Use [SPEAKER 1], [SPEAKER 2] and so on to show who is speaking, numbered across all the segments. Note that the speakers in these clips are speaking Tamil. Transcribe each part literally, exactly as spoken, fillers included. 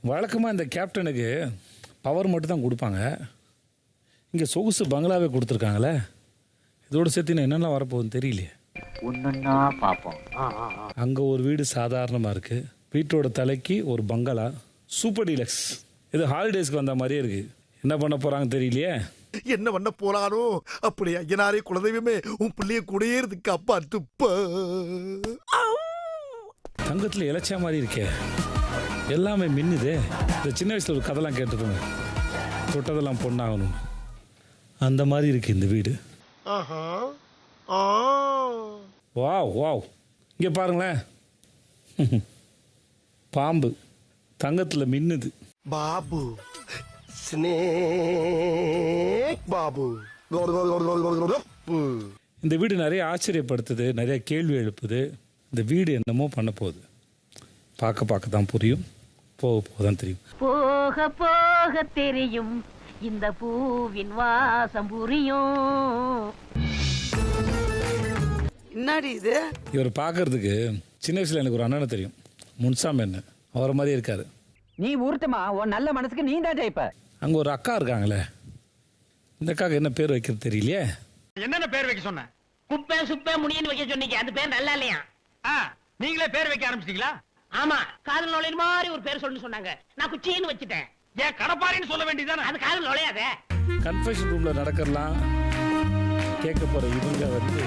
[SPEAKER 1] வழக்கமாக இந்த கேப்டனுக்கு பவர் மட்டும் தான் கொடுப்பாங்க. இங்கே சொகுசு பங்களாவே கொடுத்துருக்காங்களே. இதோடு சேர்த்து என்னென்ன வரப்போகுதுன்னு தெரியலையே.
[SPEAKER 2] ஒன்னொன்னா பார்ப்போம்.
[SPEAKER 1] அங்கே ஒரு வீடு சாதாரணமாக இருக்குது. வீட்டோட தலைக்கு ஒரு பங்களா சூப்பர் டீலக்ஸ். இது ஹாலிடேஸ்க்கு வந்த மாதிரியே இருக்குது. என்ன பண்ண போகிறாங்க தெரியலையே.
[SPEAKER 3] என்ன பண்ண போறானோ அப்படி ஐயனாரே குலதெய்வமே உன் பிள்ளைய குடியேறதுக்கு அப்பா துப்ப.
[SPEAKER 1] தங்கத்தில் இளைச்சா மாதிரி இருக்கே, எல்லாமே மின்னுதே. இந்த சின்ன வயசில் ஒரு கதைலாம் கேட்டுருப்போங்க, தொட்டதெல்லாம் பொண்ணாகணும். அந்த மாதிரி இருக்கு இந்த வீடு. வாவ் வாவ், இங்கே பாருங்களேன், பாம்பு தங்கத்தில் மின்னுது.
[SPEAKER 3] பாபு ஸ்னேக் பாபு.
[SPEAKER 1] இந்த வீடு நிறைய ஆச்சரியப்படுத்துது, நிறைய கேள்வி எழுப்புது. இந்த வீடு என்னமோ பண்ண போகுது. பார்க்க பார்க்க தான் புரியும், போக போக தான் தெரியும்.
[SPEAKER 4] போக போக தெரியும் இந்த பூவின் வாசம் புரியும்.
[SPEAKER 5] என்னடி இது?
[SPEAKER 1] இவர் பார்க்கறதுக்கு சின்ன வயசுல எனக்கு ஒரு அண்ணனை தெரியும், முன்சாமி என்ன, அவரை மாதிரி இருக்காரு.
[SPEAKER 2] நீ ஊர்த்தமா, உன் நல்ல மனசுக்கு நீ தான் ஜெயிப்ப.
[SPEAKER 1] அங்கே ஒரு அக்கா இருக்காங்களே, இந்த அக்காவுக்கு என்ன பேர் வைக்கிறது தெரியலையே.
[SPEAKER 6] என்னென்ன பேர் வைக்க சொன்ன?
[SPEAKER 4] குப்பை சுப்பை முடியன்னு வைக்க சொன்னீங்க, அந்த பேர் நல்லா இல்லையா?
[SPEAKER 6] நீங்களே பேர் வைக்க ஆரம்பிச்சிட்டீங்களா?
[SPEAKER 4] ஆமா, காதல் நுழைய மாதிரி ஒரு பேர் சொல்லணும்னு சொன்னாங்க, நான் குச்சின்னு வச்சுட்டேன்.
[SPEAKER 6] ஏன் கடப்பாரின்னு சொல்ல வேண்டியதானே?
[SPEAKER 4] அது காதல் நுழையாத.
[SPEAKER 1] கன்ஃபெஷன் ரூம்ல நடக்கலாம் கேட்க போற இவங்க வந்து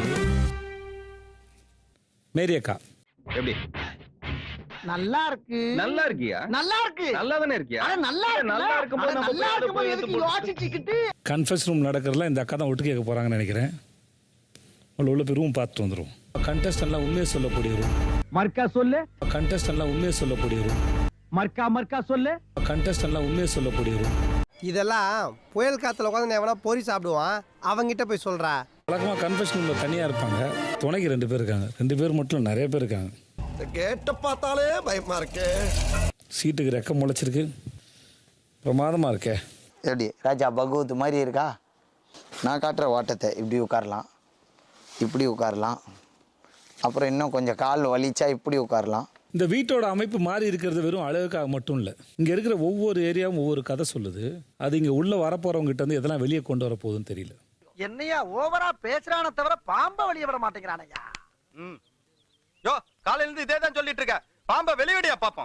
[SPEAKER 1] மேரி அக்கா.
[SPEAKER 7] எப்படி?
[SPEAKER 5] நல்லா இருக்கு.
[SPEAKER 7] நல்லா இருக்கியா?
[SPEAKER 5] நல்லா இருக்கு.
[SPEAKER 7] நல்லா தானே இருக்கியா?
[SPEAKER 5] அட நல்லா இருக்கு.
[SPEAKER 7] நல்லா இருக்கும்போது நம்ம
[SPEAKER 5] நல்லா
[SPEAKER 7] போய்
[SPEAKER 5] இருக்கும்போது
[SPEAKER 7] போய்
[SPEAKER 5] எதுக்கு யோசிச்சுக்கிட்டு?
[SPEAKER 1] கன்ஃபெஷன் ரூம் நடக்கிறதுல இந்த அக்கா தான் ஒட்டு கேட்க போறாங்கன்னு நினைக்கிறேன். உள்ள உள்ள போய் ரூம் பார்த்துட்டு வந்துடும். கண்டஸ்டன்ட்லாம் உண்மையை சொல்லக்கூடிய ரூம்.
[SPEAKER 2] மர்க்கா சொல்லு.
[SPEAKER 1] கண்டஸ்டன்ட்லாம் உண்மையை சொல்லக்கூடிய ரூம்.
[SPEAKER 2] மர்க்கா மர்க்கா சொல்லு.
[SPEAKER 1] கண்டஸ்டன்ட்லாம் உண்மையை சொல்லக்கூடிய ரூம்.
[SPEAKER 8] இதெல்லாம் புயல் காத்துல உட்காந்து எவனா பொறி சாப்பிடுவான், அவங்கிட்ட போய் சொல்றா.
[SPEAKER 1] வழக்கமாக கன்ஃபெஷன் ரூம்ல தனியாக இருப்பாங்க, துணைக்கு ரெண்டு பேர் இருக்காங்க. ரெண்டு பேர் மட்டும் நிறைய பேர் இருக்காங்க.
[SPEAKER 3] கேட்ட பார்த்தாலே பயமா இருக்கே.
[SPEAKER 1] சீட்டுக்கு ரெக்க முளைச்சிருக்கு, பிரமாதமா இருக்கே.
[SPEAKER 9] எப்படி ராஜா பகவத் மாதிரி இருக்கா? நான் காட்டுற ஓட்டத்தை இப்படி உட்காரலாம், இப்படி உட்காரலாம், அப்புறம் இன்னும் கொஞ்சம் கால் வலிச்சா இப்படி உட்காரலாம்.
[SPEAKER 1] இந்த வீட்டோட அமைப்பு மாறி இருக்கிறது வெறும் அழகுக்காக மட்டும் இல்லை. இங்கே இருக்கிற ஒவ்வொரு ஏரியாவும் ஒவ்வொரு கதை சொல்லுது. அது இங்கே உள்ள வரப்போறவங்க கிட்ட வந்து எதெல்லாம் வெளியே கொண்டு வர போகுதுன்னு தெரியல.
[SPEAKER 5] என்னையா ஓவரா பேசுறானே தவிர பாம்ப வெளிய விட மாட்டேங்கிறானயா.
[SPEAKER 7] ம். யோ, காலையில இருந்து இதே தான் சொல்லிட்டு இருக்க. பாம்ப வெளியடியா பாப்போம்.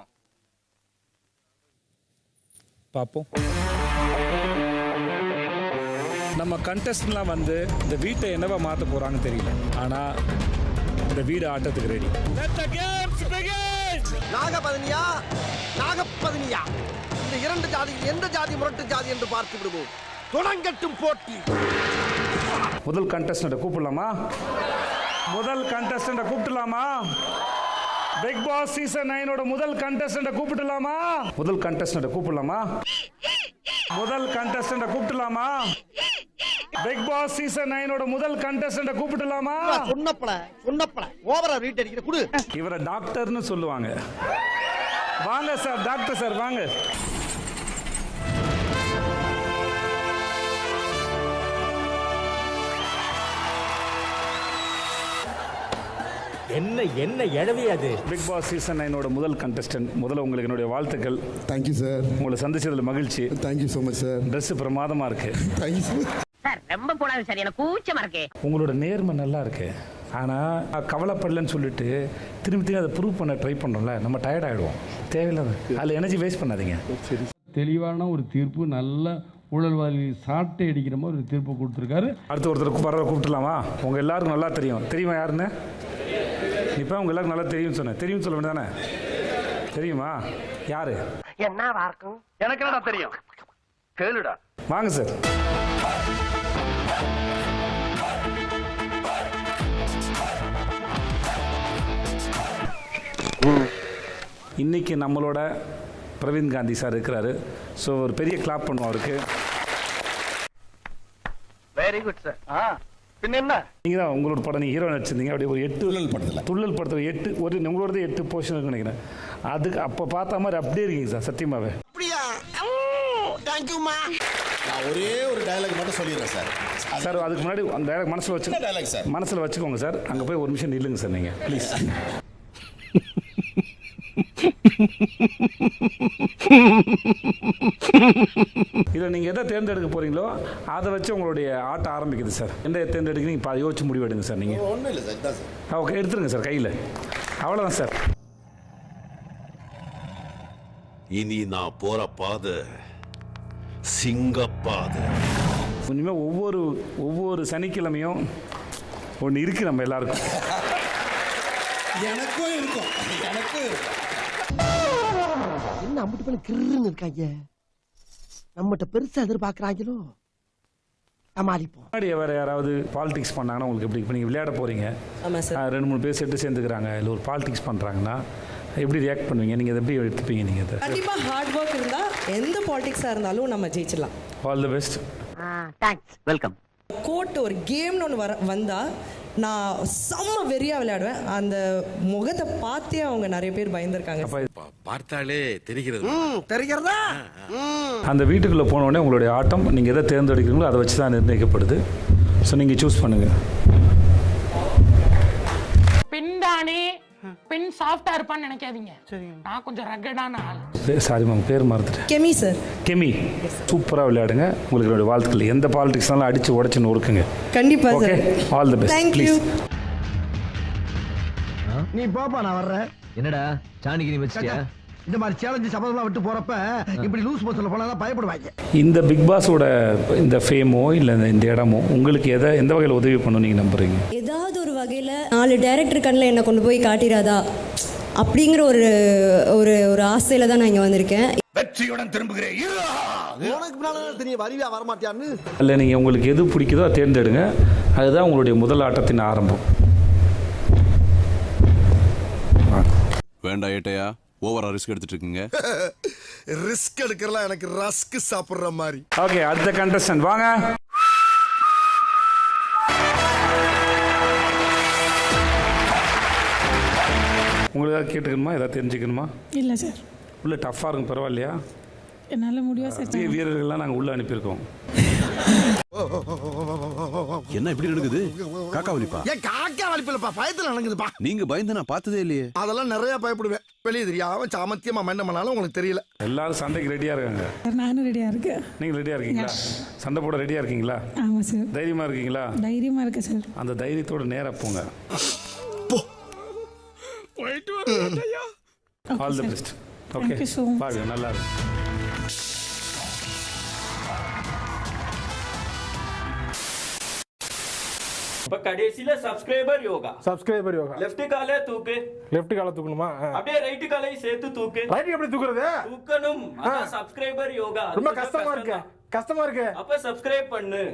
[SPEAKER 1] பார்ப்போம். நம்ம கண்டஸ்டன்ட்லாம் வந்து இந்த வீட்டை என்னவா மாற்ற போறாங்கன்னு தெரியல. ஆனா இந்த வீடு ஆட்டத்துக்கு ரெடி.
[SPEAKER 3] நாகபதனியா நாகபதனியா, இந்த இரண்டு ஜாதியில் எந்த ஜாதி முரட்டு ஜாதி என்று பார்த்து விடுவோம். தொடங்கட்டும் போட்டி.
[SPEAKER 1] முதல் கண்டஸ்டன்ட்டை கூப்பிடலாமா? முதல் கண்டஸ்டன்ட்டை கூப்பிடலாமா? பிக் பாஸ் சீசன் நைனோட முதல் கண்டஸ்டன்ட்டை கூப்பிடலாமா? முதல் கண்டஸ்டன்ட்டை கூப்பிடலாமா? முதல் கண்டஸ்டன்ட்டை கூப்பிடலாமா? பிக் பாஸ் சீசன் நைனோட முதல் கண்டஸ்டன்ட்டை கூப்பிடலாமா?
[SPEAKER 5] சொன்னப்பல சொன்னப்பல ஓவரா ரீட் அடிக்கிற குடு.
[SPEAKER 1] இவரை டாக்டர்னு சொல்லுவாங்க. வாங்க சார், டாக்டர் சார் வாங்க.
[SPEAKER 2] என்ன என்ன எழவி அது?
[SPEAKER 1] பிக் பாஸ் சீசன் நைனோட முதல் கண்டஸ்டன்ட். முதல்ல உங்களுக்கு என்னுடைய வாழ்த்துக்கள்.
[SPEAKER 10] Thank you sir.
[SPEAKER 1] உங்களை சந்திச்சதுல மகிழ்ச்சி.
[SPEAKER 10] Thank you so much sir.
[SPEAKER 1] Dress பிரமாதமா இருக்கு.
[SPEAKER 10] Thank you sir.
[SPEAKER 4] சார் ரொம்ப போடாது சார், எனக்கு கூச்சமா இருக்கு.
[SPEAKER 1] உங்களோட நேர்மை நல்லா இருக்கு. ஆனால் கவலைப்படலன்னு சொல்லிட்டு திரும்பி திரும்பி அதை ப்ரூவ் பண்ண ட்ரை பண்ணுறோம்ல, நம்ம டயர்ட் ஆகிடுவோம். தேவையில்லாத அதில் எனர்ஜி வேஸ்ட் பண்ணாதீங்க.
[SPEAKER 11] தெளிவான ஒரு தீர்ப்பு, நல்ல ஊழல்வாதி சாட்டை அடிக்கிற மாதிரி ஒரு தீர்ப்பு கொடுத்துருக்காரு.
[SPEAKER 1] அடுத்து ஒருத்தர் பரவாயில்ல கூப்பிட்டுலாமா? உங்கள் எல்லாருக்கும் நல்லா தெரியும். தெரியுமா யாருன்னு? இப்போ உங்க எல்லாருக்கும் நல்லா தெரியும் சொன்னேன். தெரியும் சொல்ல வேண்டியதானே? தெரியுமா யாரு?
[SPEAKER 5] என்னவா இருக்கும்?
[SPEAKER 7] எனக்கு என்னடா தெரியும்? கேளுடா.
[SPEAKER 1] வாங்க சார். இன்னைக்கு நம்மளோட பிரவீன் காந்தி சார் இருக்கிறாரு. ஸோ ஒரு பெரிய கிளாப் பண்ணுவோம் அவருக்கு.
[SPEAKER 7] Very good sir. ஆ பின்ன என்ன?
[SPEAKER 1] நீங்கள் தான் உங்களோட படம் நீங்கள் ஹீரோ நடிச்சிருந்தீங்க. அப்படியே ஒரு எட்டு துள்ளல் படத்தில் துள்ளல் படத்தில் எட்டு ஒரு உங்களோட எட்டு போர்ஷன் இருக்குன்னு நினைக்கிறேன். அதுக்கு அப்போ பார்த்த மாதிரி அப்படியே இருக்கீங்க சார், சத்தியமாவே.
[SPEAKER 3] அப்படியா? தேங்க்யூமா. நான் ஒரே ஒரு டயலாக் மட்டும் சொல்லிடுறேன் சார்.
[SPEAKER 1] சார் அதுக்கு முன்னாடி அந்த டயலாக் மனசில் வச்சு
[SPEAKER 3] டயலாக் சார் மனசில்
[SPEAKER 1] மனசில் வச்சுக்கோங்க சார். அங்கே போய் ஒரு நிமிஷம் நில்லுங்க சார் நீங்கள் ப்ளீஸ். இதில் நீங்கள் எதை தேர்ந்தெடுக்க போகிறீங்களோ அதை வச்சு உங்களுடைய ஆட்டம் ஆரம்பிக்குது சார். எந்த தேர்ந்தெடுக்கிறீங்க இப்போ யோசிச்சு முடிவு எடுங்க சார். நீங்கள்
[SPEAKER 3] ஒன்றும் இல்லை சார், இதான் சார்.
[SPEAKER 1] ஓகே, எடுத்துருங்க சார் கையில். அவ்வளோதான் சார்.
[SPEAKER 10] இனி நான் போற பாதை சிங்கப்பாதை.
[SPEAKER 1] இனிமேல் ஒவ்வொரு ஒவ்வொரு சனிக்கிழமையும் ஒன்று இருக்குது நம்ம எல்லாருக்கும்.
[SPEAKER 3] எனக்கும் இருக்கும், எனக்கும் இருக்கும். என்ன அம்பிட்டு பண்ண கிருன்னு இருக்காங்க, நம்மகிட்ட பெருசா எதிர்பார்க்கறாங்களோ. சமாளிப்போம்.
[SPEAKER 1] முன்னாடி வேறு யாராவது பாலிடிக்ஸ் பண்ணாங்கன்னா உங்களுக்கு எப்படி? இப்போ நீங்கள் விளையாட போகிறீங்க, ரெண்டு மூணு பேர் செட்டு சேர்ந்துக்கிறாங்க, இல்லை ஒரு பாலிடிக்ஸ் பண்ணுறாங்கன்னா எப்படி ரியாக்ட் பண்ணுவீங்க? நீங்கள் அதை எப்படி எடுத்துப்பீங்க? நீங்கள் அதை
[SPEAKER 12] கண்டிப்பாக ஹார்ட் ஒர்க் இருந்தால் எந்த பாலிடிக்ஸாக இருந்தாலும் நம்ம ஜெயிச்சிடலாம்.
[SPEAKER 1] All the best.
[SPEAKER 2] Thanks, welcome.
[SPEAKER 12] Court ஒரு கேம்னு ஒன்று வர வந்தால் நான் செம்ம வெறியாக விளையாடுவேன். அந்த முகத்தை பார்த்தே அவங்க நிறைய பேர் பயந்துருக்காங்க.
[SPEAKER 10] பார்த்தாலே தெரிகிறது.
[SPEAKER 3] தெரிகிறதா?
[SPEAKER 1] அந்த வீட்டுக்குள்ளே போனோடனே உங்களுடைய ஆட்டம் நீங்கள் எதை தேர்ந்தெடுக்கிறீங்களோ அதை வச்சு தான் நிர்ணயிக்கப்படுது. ஸோ நீங்கள் சூஸ் பண்ணுங்கள்.
[SPEAKER 4] பின்தானே பின் சாஃப்டா இருப்பான்னு நினைக்காதீங்க. நான் கொஞ்சம் ரகடான ஆள்.
[SPEAKER 1] சாரி மேம், பேர் மறந்துட்டேன்.
[SPEAKER 12] கெமி சார்.
[SPEAKER 1] கெமி, சூப்பராக விளையாடுங்க. உங்களுக்கு என்னுடைய வாழ்த்துக்கள். எந்த பாலிடிக்ஸ்னாலும் அடித்து உடச்சு நொறுக்குங்க.
[SPEAKER 12] கண்டிப்பாக sir.
[SPEAKER 1] All the best.
[SPEAKER 12] Thank you.
[SPEAKER 3] நீ போப்பா, நான் வர்றேன்.
[SPEAKER 2] என்னடா சாணிக்கு நீ வச்சிட்டியா?
[SPEAKER 3] இந்த மாதிரி சேலஞ்சு சபதம்லாம் விட்டு போறப்ப இப்படி லூஸ் மோஷன்ல போனா பயப்படுவாங்க.
[SPEAKER 1] இந்த பிக் பாஸோட இந்த ஃபேமோ இல்லை இந்த இடமோ உங்களுக்கு எதை எந்த வகையில் உதவி பண்ணணும் நீங்கள் நம்புறீங்க?
[SPEAKER 12] ஏதாவது ஒரு வகையில் நாலு டைரக்டர் கண்ணில் என்னை கொண்டு போய் காட்டிடாதா அப்படிங்கிற ஒரு ஒரு ஒரு ஆசையில் தான் நான் இங்கே வந்திருக்கேன்.
[SPEAKER 10] வெற்றியுடன் திரும்புகிறேன்.
[SPEAKER 3] உனக்கு பின்னால தெரியும் வருவியா வரமாட்டியான்னு.
[SPEAKER 1] இல்லை, நீங்கள் உங்களுக்கு எது பிடிக்குதோ அதை தேர்ந்தெடுங்க. அதுதான் உங்களுடைய முதல் ஆட்டத்தின் ஆரம்பம்.
[SPEAKER 10] வேண்டாம் ஏட்டையா, ஓவரா ரிஸ்க் எடுத்துட்டு இருக்கீங்க.
[SPEAKER 3] ரிஸ்க் எடுக்கிறலாம் எனக்கு ரஸ்க் சாப்பிடுற மாதிரி.
[SPEAKER 1] ஓகே, அடுத்த கண்டஸ்டன்ட் வாங்க. உங்களுக்கு ஏதாவது கேட்டுக்கணுமா, ஏதாவது தெரிஞ்சுக்கணுமா?
[SPEAKER 12] இல்லை சார்.
[SPEAKER 1] உள்ள டஃப்பாக இருக்கும், பரவாயில்லையா?
[SPEAKER 12] என்னால் முடியும் சார்.
[SPEAKER 1] பெரிய வீரர்கள்லாம் நாங்கள் உள்ள அனுப்பியிருக்கோம்.
[SPEAKER 10] என்ன இப்படி நடக்குது? காக்கா வலிப்பா?
[SPEAKER 3] ஏன் காக்கா வலிப்பில்லப்பா, பயத்துல நடக்குதுப்பா.
[SPEAKER 10] நீங்க பயந்து நான் பார்த்ததே இல்லையே.
[SPEAKER 3] அதெல்லாம் நிறைய பயப்படுவேன். வெளியே தெரியாம சாமத்தியமா மண்ண பண்ணாலும் உங்களுக்கு தெரியல.
[SPEAKER 1] எல்லாரும் சண்டைக்கு ரெடியா இருக்காங்க.
[SPEAKER 12] நானும் ரெடியாக இருக்கேன்.
[SPEAKER 1] நீங்க ரெடியா இருக்கீங்களா? சண்டை போட ரெடியா இருக்கீங்களா?
[SPEAKER 12] ஆமாம் சார்.
[SPEAKER 1] தைரியமா இருக்கீங்களா?
[SPEAKER 12] தைரியமாக இருக்கேன் சார்.
[SPEAKER 1] அந்த தைரியத்தோட நேரா போங்க. All the best. ஓகே, பாருங்க, நல்லா இருக்கு.
[SPEAKER 2] இப்ப கடைசில subscriber Yoga.
[SPEAKER 11] Subscriber Yoga.
[SPEAKER 2] Left காலை தூக்கு.
[SPEAKER 11] லெஃப்ட் காலை தூக்கணுமா?
[SPEAKER 2] அப்படியே ரைட் காலை சேர்த்து தூக்கு.
[SPEAKER 11] ரைட் எப்படி தூக்குறது?
[SPEAKER 2] தூக்கணும். அதான் சப்ஸ்கிரைபர் யோகா.
[SPEAKER 11] ரொம்ப கஷ்டமா இருக்கு. கஷ்டமா இருக்கு.
[SPEAKER 2] அப்ப சப்ஸ்கிரைப் பண்ணு.